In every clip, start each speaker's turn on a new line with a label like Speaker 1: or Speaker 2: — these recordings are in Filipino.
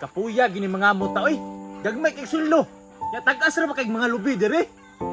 Speaker 1: Kapuya gini mga muta oy. Gagmay kay sullo. Ya tag-as ra ba kay mga lubi dire?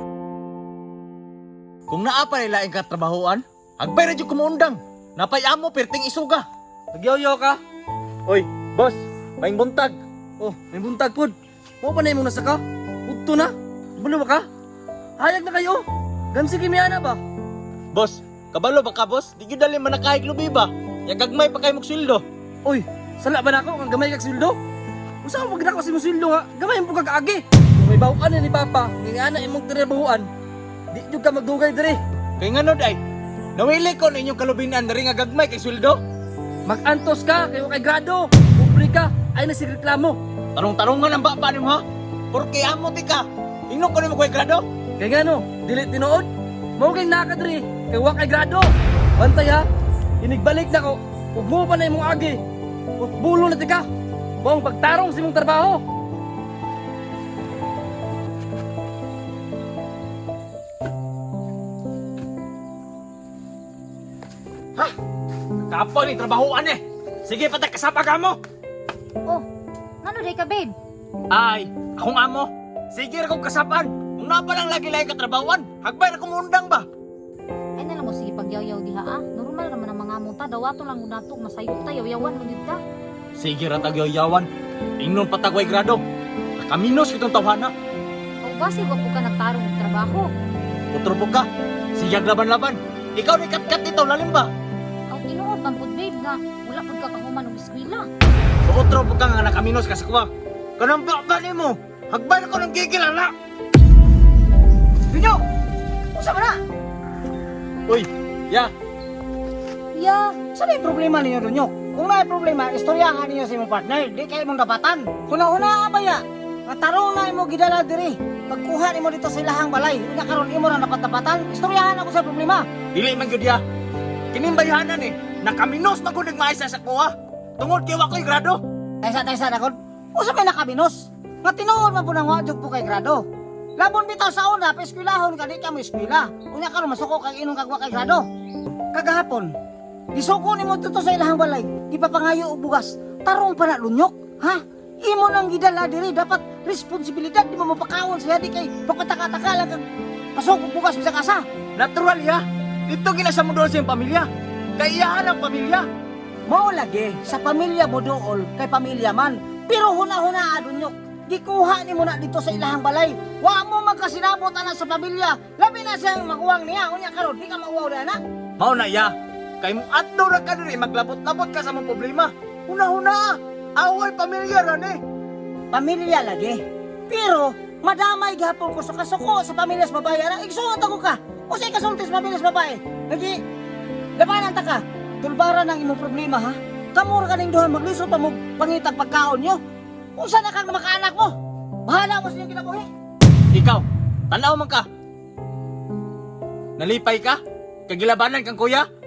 Speaker 1: Kung naa pa nila ang katrabahoan, agbay ra jud kumuundang. Napay amo perting isuga.
Speaker 2: Nagyoyo ka?
Speaker 1: Oy, boss, maing buntag.
Speaker 2: Oh, may buntag pod. Mo pa na imong nasaka? Udto na? Bulo ba ka? Hayag na kayo. Gansi kimiana ba?
Speaker 1: Boss, kabalo ba ka boss? Di gyud dali man nakahig lubi ba? Ya gagmay pa kay mong sweldo.
Speaker 2: Oy, sala ba nako ang gamay kag sweldo? Usa mo pagdako si mong sweldo nga? Gamay mo kag agi. Kung may bawaan ni papa, ngana imong trabahoan. Di jud ka magdugay dire.
Speaker 1: Kay ngano day? Nawili ko na inyong kalubinan diri nga gagmay kay sweldo.
Speaker 2: Mag-antos ka kay kay grado. Pobre ka, ay na si reklamo.
Speaker 1: Tarong-tarongan ang baba nimo ha? Porque amo ti ka. Ingno ko nimo kay grado.
Speaker 2: Kay ngano, dili tinuod. Mao kay nakadiri kay wa kay grado. Bantay ha. Inigbalik na ko. Ug mo pa na imong agi. Ug bulo na ti ka. Mao ang pagtarong sa imong trabaho.
Speaker 1: Ha? Kapo ni trabahoan eh. Sige patay kasapa ka mo.
Speaker 3: Oh, ano day ka, babe?
Speaker 1: Ay, akong amo. Sige ra kong kasapan. Kung na pa lang lagi ka trabahoan, hagbay na kumundang ba?
Speaker 3: Ay na lang mo, sige pagyaw-yaw diha ah. Normal naman ang mga munta. Dawato lang unatog, masayot tayo, yawan mo yun ka.
Speaker 1: Sige ra tagyaw-yawan. Ingnon patagway grado. Nakaminos kitong tawhana.
Speaker 3: O basi, wag po ka nagtarong ng trabaho.
Speaker 1: Utro ka. Sige laban-laban. Ikaw ni kat-kat ito, lalim ba?
Speaker 3: Ang tinuod ng food, babe, nga wala po ka kahuman ng eskwela.
Speaker 1: So utro ka nga nakaminos ka sa kuwa. Kanang bakba ni mo. Hagbay na ko ng gigil, ala.
Speaker 2: Binyo! Usa ba na?
Speaker 1: Uy, ya.
Speaker 4: Ya, saan yung problema ninyo doon yun? Kung may problema, istoryahan ninyo sa imong partner, di kayo mong dapatan. Kuna-una ba ya? Matarong na imo gidala diri. Pagkuha nimo dito sa ilahang balay, unya karon imo ra dapat-dapatan, istoryahan ako sa problema.
Speaker 1: Dili man gyud ya. Kining bayanan eh. Nakaminos na ko nagmaisa sa kuwa. Tungod kay wa ko'y grado.
Speaker 4: Taysa na kon. Usa may nakabinos? Nga tinuod man po nang wa jud po kay grado. Labon bitaw sa una, pa eskwelahon ka di ka mo eskwela. Unya karon masuko kag inong kag wa kay grado. Kagahapon, isuko nimo dito sa ilahang balay, ipapangayo og bugas. Tarong pa na lunyok, ha? Imo nang gidala diri, dapat responsibilidad di mo mapakawon sa di kay pagpataka-taka lang kag pasok og bugas sa kasa.
Speaker 1: Natural ya. Dito ginasa mo doon sa iyong pamilya. Kaiyahan ang pamilya.
Speaker 4: Mao lagi sa pamilya mo dool kay pamilya man. Pero huna-huna adunyok. Gikuha nimo na dito sa ilahang balay. Wa mo magkasinabot ana sa pamilya. Labi na siyang makuwang niya. Unya karon di ka mauwaw na na.
Speaker 1: Mao na ya. Kay mo adto ra ka diri maglabot-labot ka sa mong problema. Una-una, away pamilya ra ni.
Speaker 4: Pamilya lagi. Pero madamay gihapon ko sa kasuko sa pamilya sa babae. Ana igsuot ako ka. O sa ikasulti sa pamilya sa babae. Lagi labanan ta ka. Tulbaran ang imong problema ha. Kamura ka ning duha maglisod pa mo pangitag pagkaon nyo. Unsa na kang makaanak mo? Bahala mo sa iyong kinabuhi.
Speaker 1: Ikaw, tanaw man ka. Nalipay ka? Kagilabanan kang kuya?